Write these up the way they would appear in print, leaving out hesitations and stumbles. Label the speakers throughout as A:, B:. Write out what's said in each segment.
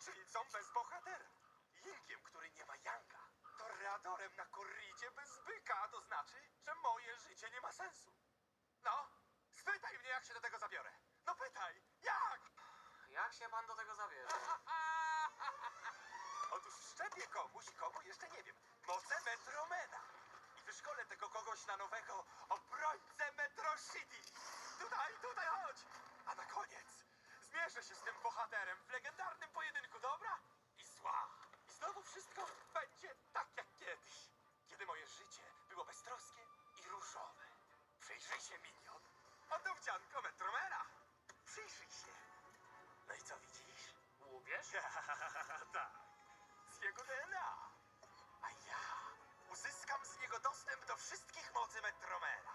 A: Czyli bez bohatera. Yingiem, który nie ma Yanga. Toreadorem na korridzie bez byka, a to znaczy, że moje życie nie ma sensu. No, spytaj mnie, jak się do tego zabiorę. No pytaj, jak?
B: Jak się pan do tego zabierze?
A: Otóż wszczepię komuś, komu jeszcze nie wiem, moce Metromena. I wyszkolę tego kogoś na nowego obrońcę Metro City. Tutaj, chodź. A na koniec zmierzę się z tym bohaterem w legendarnym pojedynku dobra i zła. I znowu wszystko będzie tak jak kiedyś, kiedy moje życie było beztroskie i różowe. Przyjrzyj się, Minion. Oto wdzianko Metromena. Przyjrzyj się. No i co widzisz?
B: Łubież?
A: Tak, z jego DNA. A ja uzyskam z niego dostęp do wszystkich mocy Metromena.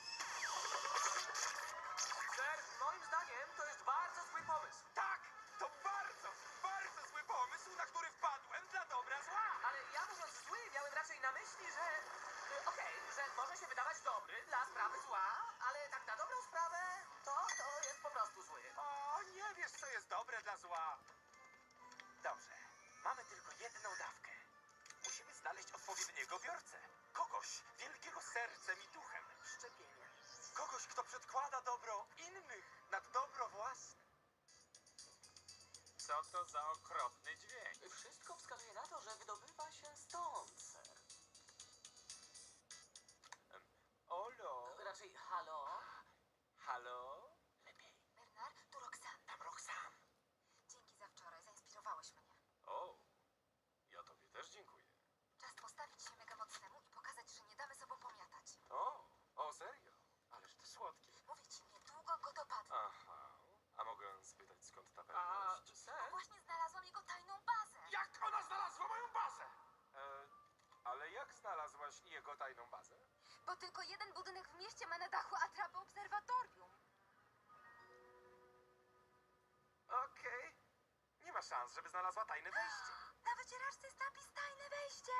B: Ser, moim zdaniem to jest bardzo zły pomysł.
A: Tak, to bardzo zły pomysł, na który wpadłem dla dobra zła.
B: Ale ja mówiąc zły, miałem raczej na myśli, że... Okej, że może się wydawać dobry dla sprawy zła, ale tak na dobrą sprawę to jest po prostu zły.
A: O, nie wiesz, co jest dobre dla zła. Dobrze, mamy tylko jedną dawkę. Musimy znaleźć odpowiedniego biorcę. Kogoś wielkiego sercem i duchem.
B: Szczepienie.
A: Kogoś, kto przedkłada dobro innych nad dobro własne. Co to za okropny dźwięk?
B: Wszystko wskazuje na to, że wydobywa się stąd, ser.
A: Olo?
B: Raczej halo?
A: Halo?
B: Lepiej.
C: Bernard, tu Roxanne.
A: Tam Roxanne.
C: Dzięki za wczoraj, zainspirowałeś mnie.
A: O, ja tobie też dziękuję.
C: Czas postawić się mega mocnemu i pokazać, że nie damy sobą pomiatać.
A: O, serio? Ależ to słodkie.
C: Mówię ci, niedługo go dopadnę.
A: Aha, a mogę spytać, skąd ta
B: A,
A: pewność?
B: ser?
C: Właśnie znalazłam jego tajną bazę.
A: Jak ona znalazła moją bazę? Ale jak znalazłaś jego tajną bazę?
C: Bo tylko jeden budynek w mieście ma na dachu atrapę obserwatorium.
A: Okej. Nie ma szans, żeby znalazła tajne wejście.
C: Na wycieraczce jest napis tajne wejście.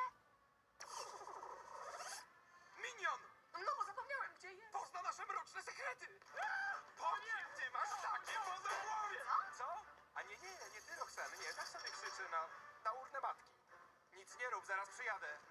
A: Minion!
B: No bo zapomniałem, gdzie jest.
A: Pozna nasze mroczne sekrety! Po nim ty masz takie wozy w głowie! Co? A nie ty, Roxanne, nie, tak sobie krzyczy na urnę matki. Nic nie rób, zaraz przyjadę.